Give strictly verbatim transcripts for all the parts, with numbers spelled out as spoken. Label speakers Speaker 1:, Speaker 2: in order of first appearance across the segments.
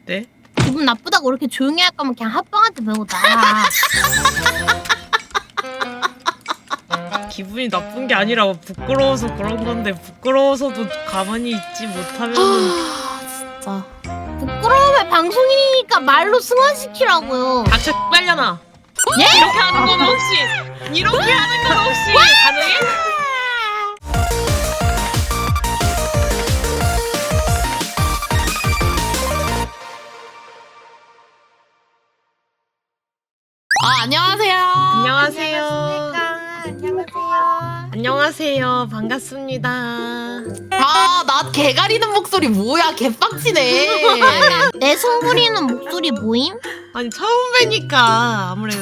Speaker 1: 네?
Speaker 2: 기분 나쁘다고 이렇게 조용히 할 거면 그냥 합방한테 배우자.
Speaker 1: 기분이 나쁜 게 아니라 부끄러워서 그런 건데 부끄러워서도 가만히 있지 못하면은
Speaker 3: 진짜.
Speaker 2: 부끄러움의 방송이니까 말로 승화시키라고요.
Speaker 1: 닥쳐 빨려나.
Speaker 2: 예?
Speaker 1: 이렇게 하는 건 혹시 이렇게 하는 건 혹시 가능해?
Speaker 3: 아 안녕하세요.
Speaker 1: 안녕하세요.
Speaker 2: 안녕하세요.
Speaker 1: 안녕하세요. 반갑습니다.
Speaker 3: 아나 개 가리는 목소리 뭐야 개빡치네.
Speaker 2: 내 숨부리는 목소리 모임?
Speaker 1: 아니 처음 뵈니까 아무래도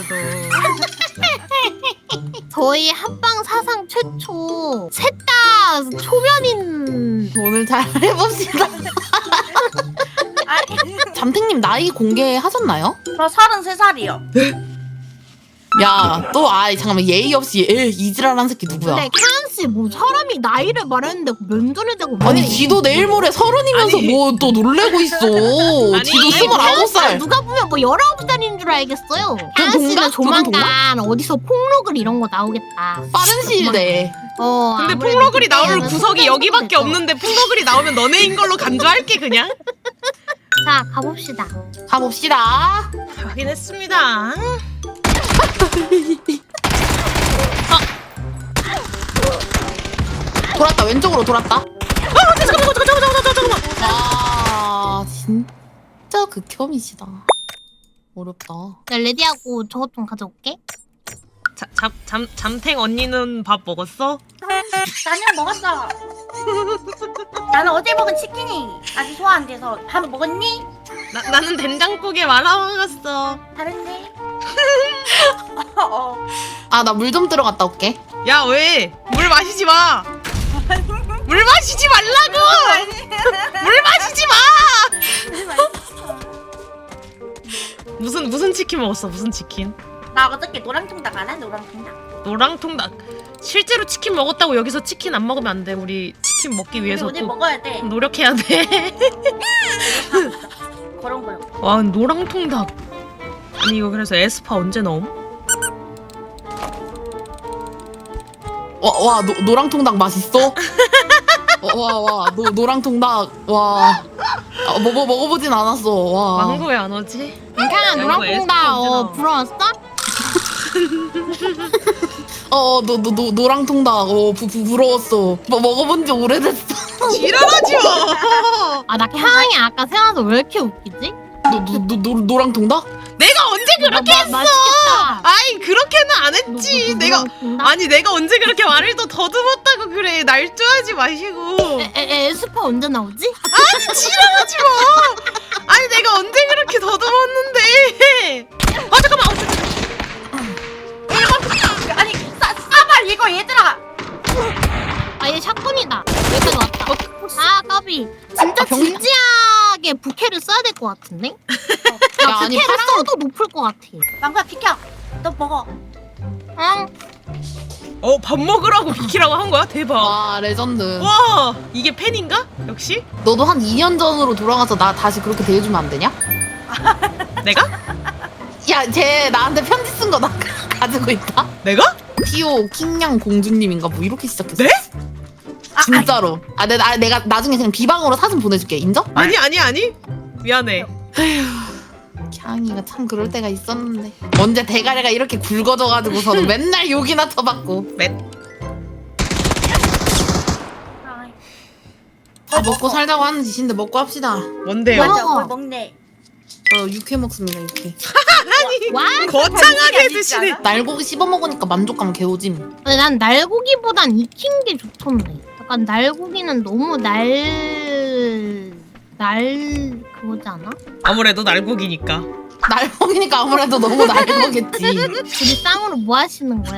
Speaker 2: 저희 합방 사상 최초 셋 다 초면인.
Speaker 3: 오늘 잘 해봅시다. 잠탱님 나이 공개하셨나요?
Speaker 4: 저 서른세 살이요.
Speaker 3: 야 또 아이 잠깐만 예의 없이 에 이지랄한 새끼 누구야?
Speaker 2: 근데 캐한씨 뭐 사람이 나이를 말했는데 면전에 대고
Speaker 3: 아니
Speaker 2: 왜
Speaker 3: 지도 내일 모레 서른이면서
Speaker 1: 아니.
Speaker 3: 뭐 또 놀래고 있어.
Speaker 1: 아니,
Speaker 3: 지도
Speaker 1: 아니,
Speaker 3: 스물아홉 살.
Speaker 2: 누가 보면 뭐 열아홉 살인 줄 알겠어요.
Speaker 3: 동갑?
Speaker 2: 캐한씨는
Speaker 3: 그건
Speaker 2: 조만간 어디서 폭로글 이런 거 나오겠다.
Speaker 3: 빠른 시일 내에.
Speaker 2: 어,
Speaker 1: 근데
Speaker 2: 아무래도
Speaker 1: 폭로글이 나올
Speaker 2: 그때는
Speaker 1: 구석이
Speaker 2: 소개팅
Speaker 1: 여기밖에
Speaker 2: 되죠.
Speaker 1: 없는데 폭로글이 나오면 너네인 걸로 간주할게 그냥.
Speaker 2: 자, 가봅시다.
Speaker 3: 가봅시다.
Speaker 1: 확인했습니다.
Speaker 3: 돌았다 왼쪽으로 돌았다.
Speaker 1: 아 잠깐만 잠깐만 잠깐만 잠깐만 잠깐만.
Speaker 3: 아 진짜 극혐이시다. 어렵다.
Speaker 2: 나 레디하고 저것 좀 가져올게.
Speaker 1: 자, 잠, 잠, 잠탱 언니는 밥 먹었어?
Speaker 4: 나는 먹었어. 나는 어제 먹은 치킨이 아직 소화 안 돼서 밥 먹었니?
Speaker 1: 나, 나는 된장국에 말아 먹었어.
Speaker 4: 다른데? 어, 어.
Speaker 3: 아 나 물 좀 들어갔다 올게.
Speaker 1: 야 왜? 물 마시지 마. 물 마시지 말라고. 물 마시지 마. 무슨 무슨 치킨 먹었어? 무슨 치킨?
Speaker 4: 나 어저께 노랑통닭 알아? 노랑통닭.
Speaker 1: 노랑통닭. 실제로 치킨 먹었다고 여기서 치킨 안 먹으면 안 돼. 우리 치킨 먹기 위해서
Speaker 4: 우리
Speaker 1: 또
Speaker 4: 먹어야 돼.
Speaker 1: 노력해야 돼.
Speaker 4: 그런 거요.
Speaker 1: 와 노랑통닭. 아니 이거 그래서 에스파 언제 넣음?
Speaker 3: 와와 노랑통닭 맛있어? 와와 노랑통닭 와 아, 먹어 먹어보진 않았어. 와.
Speaker 1: 망고 왜 안 오지?
Speaker 2: 괜찮아,
Speaker 1: 야,
Speaker 2: 노랑통닭.
Speaker 1: 이거 에스파
Speaker 2: 어,
Speaker 1: 언제
Speaker 2: 부러웠어?
Speaker 3: 어너 너 너 노랑통닭 어 부, 부, 부러웠어. 뭐 먹어본 지 오래됐어.
Speaker 1: 지랄하지 마.
Speaker 2: 아, 나 향이 아까 생각나서 왜 이렇게 웃기지?
Speaker 3: 노노노 노랑통닭?
Speaker 1: 내가 언제 그렇게
Speaker 2: 마-
Speaker 1: 했어?
Speaker 2: 맛있겠다.
Speaker 1: 아이 그렇게는 안 했지.
Speaker 2: 노- 노-
Speaker 1: 내가
Speaker 2: 노랑통닭?
Speaker 1: 아니 내가 언제 그렇게 말을 또 더듬었다고 그래. 날조하지 마시고.
Speaker 2: 에, 에, 에스파 언제 나오지?
Speaker 1: 아니 지랄하지 마. 아니 내가 언제 그렇게 더듬었는데. 아 잠깐만. 어, 잠깐만.
Speaker 4: 아니 싸, 싸발 이거 얘들아.
Speaker 2: 아, 얘 샷건이다. 여기까지 왔다. 아, 까비. 진짜
Speaker 3: 아, 병-
Speaker 2: 진지하게 부캐를 써야 될 것 같은데? 야,
Speaker 3: 야, 아니,
Speaker 2: 부캐를
Speaker 3: 파랑-
Speaker 2: 써도 높을 것 같아.
Speaker 4: 망고야 비켜. 너 먹어.
Speaker 2: 응?
Speaker 1: 어 밥 먹으라고 비키라고 한 거야? 대박.
Speaker 3: 와 레전드.
Speaker 1: 와 이게 팬인가? 역시
Speaker 3: 너도 한 이 년 전으로 돌아가서 나 다시 그렇게 대해주면 안 되냐?
Speaker 1: 내가?
Speaker 3: 야, 쟤 나한테 편지 쓴 거 나 가지고 있다.
Speaker 1: 내가?
Speaker 3: 피오 킹냥 공주님인가 뭐 이렇게 시작했어.
Speaker 1: 네?
Speaker 3: 진짜로. 아, 내, 나, 내가 나중에 그냥 비방으로 사진 보내줄게. 인정?
Speaker 1: 아니 아니 아니. 미안해.
Speaker 3: 캬이가 참 그럴 때가 있었는데. 언제 대가리가 이렇게 굵어져가지고서는 맨날 욕이나 쳐받고.
Speaker 1: 맷.
Speaker 4: 아이,
Speaker 3: 다 먹고 살자고 하는 짓인데 먹고 합시다.
Speaker 1: 뭔데요?
Speaker 2: 와.
Speaker 4: 맞아. 뭘 먹네.
Speaker 3: 저 육회 먹습니다. 육회.
Speaker 2: 와?
Speaker 1: 거창하게 드시네.
Speaker 3: 날고기 씹어 먹으니까 만족감 개오짐.
Speaker 2: 근데 난 날고기보단 익힌 게 좋던데. 약간 날고기는 너무 날... 날... 그거지 않아?
Speaker 1: 아무래도 날고기니까.
Speaker 3: 날 먹이니까 아무래도 너무 날 먹겠지.
Speaker 2: 둘이 쌍으로 뭐 하시는 거야?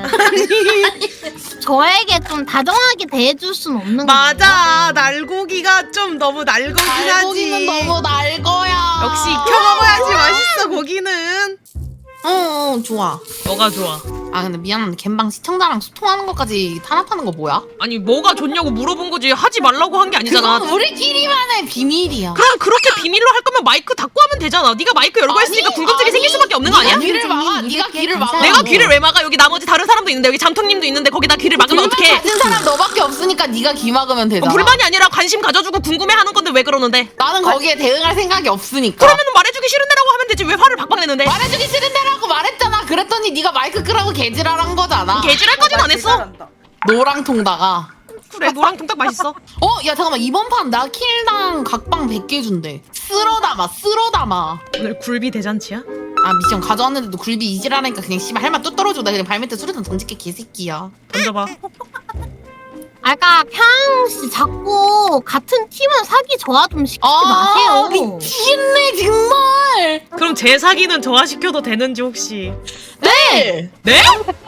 Speaker 2: 저에게 좀 다정하게 대해줄 순 없는 거야?
Speaker 1: 맞아. 날고기가 좀 너무 날고긴 하지.
Speaker 3: 날고기는 너무 날 거야.
Speaker 1: 역시 익혀 먹어야지 맛있어 고기는.
Speaker 3: 어 좋아.
Speaker 1: 뭐가 좋아?
Speaker 3: 아 근데 미안한데 갬방 시청자랑 소통하는 것까지 탄압하는 거 뭐야?
Speaker 1: 아니 뭐가 좋냐고 물어본 거지 하지 말라고 한 게 아니잖아.
Speaker 3: 그건 우리끼리만의 비밀이야.
Speaker 1: 그럼 그렇게 비밀로 할 거면 마이크 닫고 하면 되잖아. 네가 마이크 열고 했으니까
Speaker 3: 아니,
Speaker 1: 궁금증이
Speaker 3: 아니,
Speaker 1: 생길 수밖에 없는 거 아니야?
Speaker 3: 네가 귀를 막아. 네가 귀를 막아.
Speaker 1: 내가 귀를 왜 막아? 여기 나머지 다른 사람도 있는데 여기 잠통님도 있는데 거기다 귀를 막으면
Speaker 3: 불만
Speaker 1: 어떡해?
Speaker 3: 가진 사람 너밖에 없으니까 네가 귀 막으면 되잖아.
Speaker 1: 불만이 아니라 관심 가져주고 궁금해하는 건데 왜 그러는데?
Speaker 3: 나는 거기에 대응할 생각이 없으니까.
Speaker 1: 그러면 말해주기 싫은데라고 하면 되지 왜 화를 박박 내는데?
Speaker 3: 말해주기 싫은데라고 말했잖아. 그랬더니 네가 마이크 끄라고 개지랄한 거잖아.
Speaker 1: 개질할까지는 안 했어?
Speaker 4: 잘한다.
Speaker 3: 노랑 통다가.
Speaker 1: 그래 노랑통닭 맛있어.
Speaker 3: 어? 야 잠깐만 이번 판 나 킬당 각방 백 개 준대. 쓸어 담아 쓸어 담아.
Speaker 1: 오늘 굴비 대잔치야?
Speaker 3: 아 미션 가져왔는데도 굴비 이지랄하니까 그냥 씨발 할 말 뚝 떨어져. 나 그냥 발밑에 수류탄 던질게 개새끼야.
Speaker 1: 던져봐.
Speaker 2: 아까 캉씨 자꾸 같은 팀은 사기 저하 좀 시키지
Speaker 3: 아
Speaker 2: 마세요.
Speaker 3: 미치겠네 정말.
Speaker 1: 그럼 제 사기는 저하시켜도 되는지 혹시?
Speaker 3: 네.
Speaker 1: 네?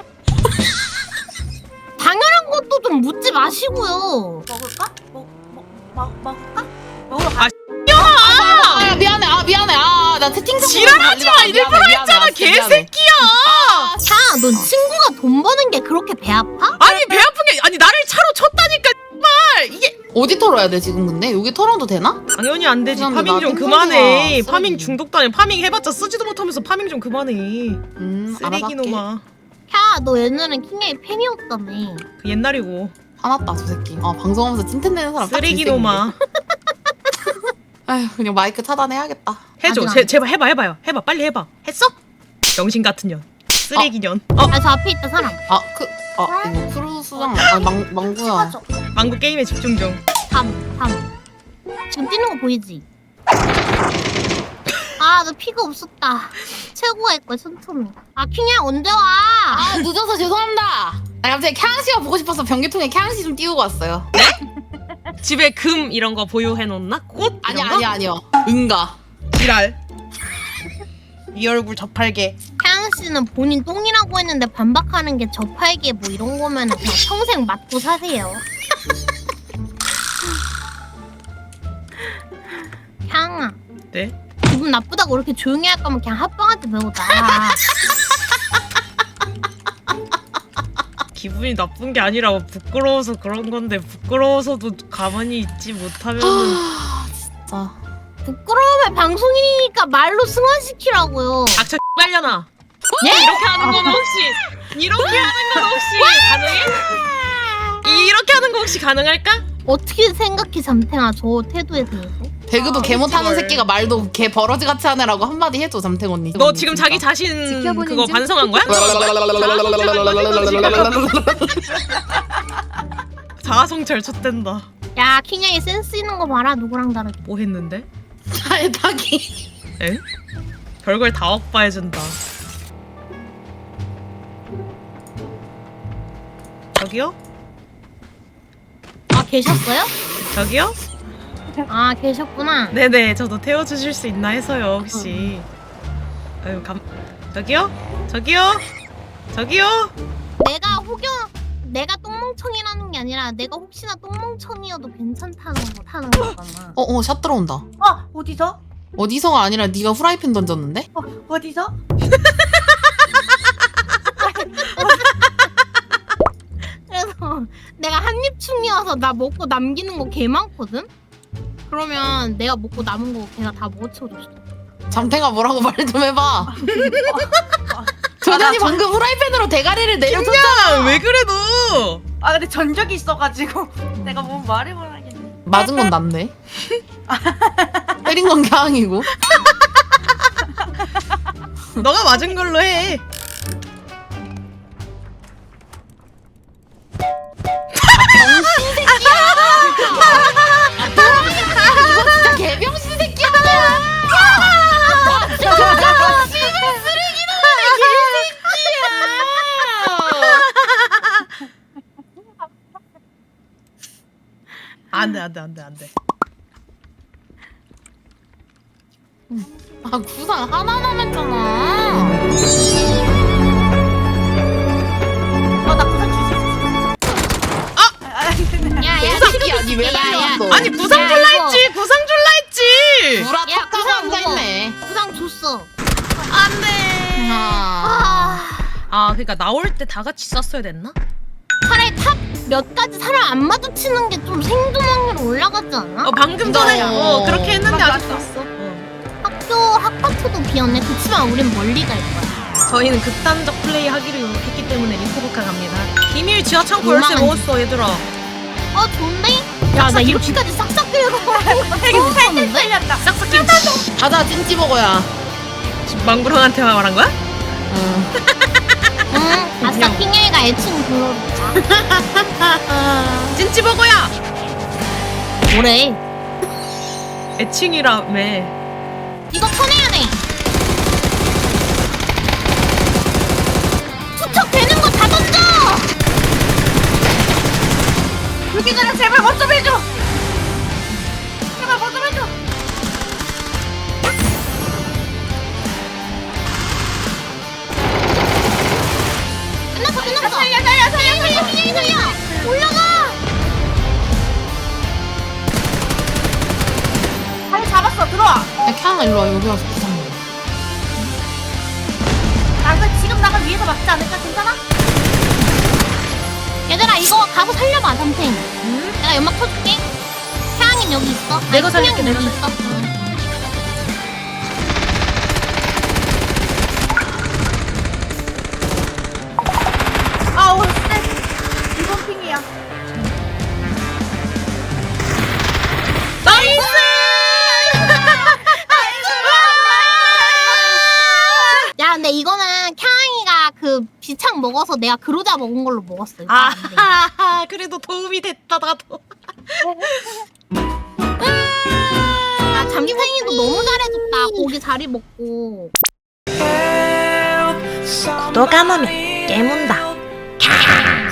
Speaker 2: 당연한 것도 좀 묻지 마시고요.
Speaker 4: 먹을까? 먹, 먹, 먹, 먹을까? 먹으러 가.
Speaker 1: 아
Speaker 3: 아, 아 미안해 아 미안해 아나 채팅창
Speaker 1: 지랄하지 마 일부러 했잖아 개새끼야.
Speaker 3: 아,
Speaker 2: 자, 넌 친구가 돈 버는 게 그렇게 배 아파?
Speaker 1: 아니 배 아픈 게 아니 나를 차로 쳤다니까 정말 이게
Speaker 3: 어디 털어야 돼 지금 근데? 여기 털어도 되나?
Speaker 1: 당연히 안 되지.
Speaker 3: 미안해,
Speaker 1: 파밍
Speaker 3: 나
Speaker 1: 좀
Speaker 3: 똥손이야,
Speaker 1: 그만해.
Speaker 3: 쓰레기.
Speaker 1: 파밍 중독도 아니야. 파밍 해봤자 쓰지도 못하면서 파밍 좀 그만해.
Speaker 3: 음 알아서 할게.
Speaker 1: 쓰레기놈아.
Speaker 2: 야, 너 옛날엔 킹의 팬이었다며.
Speaker 1: 그 옛날이고.
Speaker 3: 화났다 저 새끼. 아 방송하면서 찐텐대는 사람 딱
Speaker 1: 쓰레기놈아.
Speaker 3: 아휴 그냥 마이크 차단해야겠다.
Speaker 1: 해줘.
Speaker 2: 아직
Speaker 1: 제,
Speaker 2: 안
Speaker 1: 제발 해봐 해봐요. 해봐 빨리 해봐. 했어? 병신 같은 년. 쓰레기년. 어?
Speaker 2: 아, 저 앞에 있다 사람.
Speaker 3: 아 그.. 아 이거 크루 수장 아 망, 망구야.
Speaker 4: 찍어줘.
Speaker 1: 망구 게임에 집중 중.
Speaker 2: 삼, 삼. 지금 뛰는 거 보이지? 아, 너 피가 없었다. 최고가 있고 천천히. 아, 킹이야 언제 와?
Speaker 3: 아 늦어서 죄송합니다. 나 갑자기 캬양씨가 보고 싶어서 변기통에 캬양씨 좀 띄우고 왔어요.
Speaker 1: 집에 금 이런 거 보유해놓나? 꽃?
Speaker 3: 아니
Speaker 1: 이런 거?
Speaker 3: 아니 아니요. 응가.
Speaker 1: 지랄. 이 얼굴 저팔계.
Speaker 2: 캬양 씨는 본인 똥이라고 했는데 반박하는 게 저팔계 뭐 이런 거면 그냥 평생 맞고 사세요. 캬양아,
Speaker 1: 네?
Speaker 2: 기분 나쁘다고 이렇게 조용히 할 거면 그냥 합방한테 배우자.
Speaker 1: 기분이 나쁜 게 아니라 부끄러워서 그런 건데 부끄러워서도 가만히 있지 못하면은
Speaker 3: 아 진짜.
Speaker 2: 부끄러움의 방송이니까 말로 승화시키라고요.
Speaker 1: 닥쳐 빨려나. 예? 이렇게 하는 건 혹시 이렇게 하는 건 혹시 가능해? 이렇게 하는 거 혹시 가능할까?
Speaker 2: 어떻게 생각해 잠탱아 저 태도에 대해서?
Speaker 3: 배그도 개 못하는
Speaker 1: 헐.
Speaker 3: 새끼가 말도 개 버러지 같이 하느라고 한마디 해줘 잠탱 언니.
Speaker 1: 너 지금 자기 자신
Speaker 5: 지켜보는
Speaker 1: 그거
Speaker 5: 중.
Speaker 1: 반성한 거야? 자아성찰 쳤댄다.
Speaker 2: 야 킹양이 센스 있는 거 봐라 누구랑 다르게.
Speaker 1: 뭐 했는데?
Speaker 3: 잘 타기.
Speaker 1: 에? 별걸 다 억바해준다. 저기요?
Speaker 2: 아 계셨어요?
Speaker 1: 저기요?
Speaker 2: 아 계셨구나.
Speaker 1: 네네 저도 태워주실 수 있나 해서요 혹시. 아유 감... 저기요? 저기요? 저기요?
Speaker 2: 내가 혹여 내가 똥멍청이라는 게 아니라 내가 혹시나 똥멍청이어도 괜찮다는 거 타는 거잖아.
Speaker 3: 어어 샷 들어온다.
Speaker 4: 어 어디서?
Speaker 3: 어디서가 아니라 네가 후라이팬 던졌는데?
Speaker 4: 어 어디서?
Speaker 2: 그래서 내가 한입충이어서 나 먹고 남기는 거 개 많거든? 그러면 내가 먹고 남은 거 걔가 다 먹어치워줬어.
Speaker 3: 잠탱아 뭐라고 말 좀 해봐. 조련이 방금 후라이팬으로 대가리를 내려줬잖아.
Speaker 1: 야, 왜 그래 너?
Speaker 4: 아 근데 전적이 있어가지고 내가 뭐 말을 못 하겠네.
Speaker 3: 맞은 건 난데. 때린 건 캬양이고.
Speaker 1: 너가 맞은 걸로 해.
Speaker 3: 병신 새끼야. 이거 진짜 개병신 새끼야. 아, 진짜 씨발 쓰레기놈의 개새끼야.
Speaker 1: 안돼 안돼 안돼 안돼.
Speaker 3: 아 구상 하나 남았잖아.
Speaker 4: 어나 구상 줄수 있어. 아! 아 근데
Speaker 2: 야야
Speaker 3: 새끼야 니 왜 날려왔어?
Speaker 1: 아니 구상
Speaker 2: 야,
Speaker 1: 줄라
Speaker 2: 이거.
Speaker 1: 했지 구상 줄라 했지.
Speaker 3: 구라
Speaker 2: 야,
Speaker 3: 탁하고
Speaker 2: 구상
Speaker 3: 앉아있네.
Speaker 2: 부상 줬어.
Speaker 1: 안돼.
Speaker 3: 아하.
Speaker 1: 아 그러니까 나올 때 다 같이 쐈어야 됐나?
Speaker 2: 차라리 탑 몇 가지 사람 안 마주치는 게 좀 생존 확률 올라가지 않아?
Speaker 1: 어 방금 전에
Speaker 3: 어.
Speaker 1: 어, 그렇게 했는데
Speaker 4: 맞아,
Speaker 1: 아직
Speaker 4: 맞아.
Speaker 1: 좋았어. 어.
Speaker 2: 학교 학과투도 비었네. 그치만 우린 멀리 갈 거야.
Speaker 1: 저희는 극단적 플레이 하기로 했기 때문에 리포브카 갑니다. 비밀 지하 창고 열쇠
Speaker 2: 요망한
Speaker 1: 먹었어 얘들아.
Speaker 2: 어 좋은데? 야 나
Speaker 1: 싹싹
Speaker 2: 이렇게까지 싹싹 긁어.
Speaker 4: 팔뚝 살렸다.
Speaker 1: 싹싹 김치.
Speaker 3: 가자 찐찌 먹어야.
Speaker 1: 지금 망구랑한테 말한 거야?
Speaker 3: 응.
Speaker 2: 응. 아싸 핑계가 애칭 불러줬다.
Speaker 1: 찐찌버거야.
Speaker 2: 뭐래?
Speaker 1: 애칭이라며.
Speaker 2: 이거 쳐내야 돼. 투척되는 거 다 던져.
Speaker 4: 여기 전에 제발 뭐 좀 해줘. 제발 뭐 좀 해줘.
Speaker 2: 끝났어 끝났어.
Speaker 4: 살려 살려 살려 살려.
Speaker 2: 핑계 살려. 올라가.
Speaker 4: 다리 잡았어. 들어와.
Speaker 3: 야 캬 일로 와 여기 와서 부상 먹어.
Speaker 4: 나 이거 지금 나가 위에서 막지 않을까? 괜찮아?
Speaker 2: 얘들아 이거 가서 살려봐 삼탱.
Speaker 1: 응?
Speaker 2: 내가 연막 쳐줄게. 태양인 여기 있어.
Speaker 1: 내가
Speaker 2: 아니,
Speaker 1: 살릴게,
Speaker 2: 태양인
Speaker 1: 내가
Speaker 2: 여기 있어. 응.
Speaker 4: 아우 쎄. 이번 핑이야.
Speaker 1: 나이스.
Speaker 2: 야 근데 이거는 캬잉이가 그 비창 먹어서 내가 그로자 먹은 걸로 먹었어. 이거 안 돼.
Speaker 1: 아 그래도 도움이 됐다 나도.
Speaker 2: 아 잠탱이도 너무 잘해줬다. 고기 자리 먹고.
Speaker 1: 구독 안 하면 깨문다.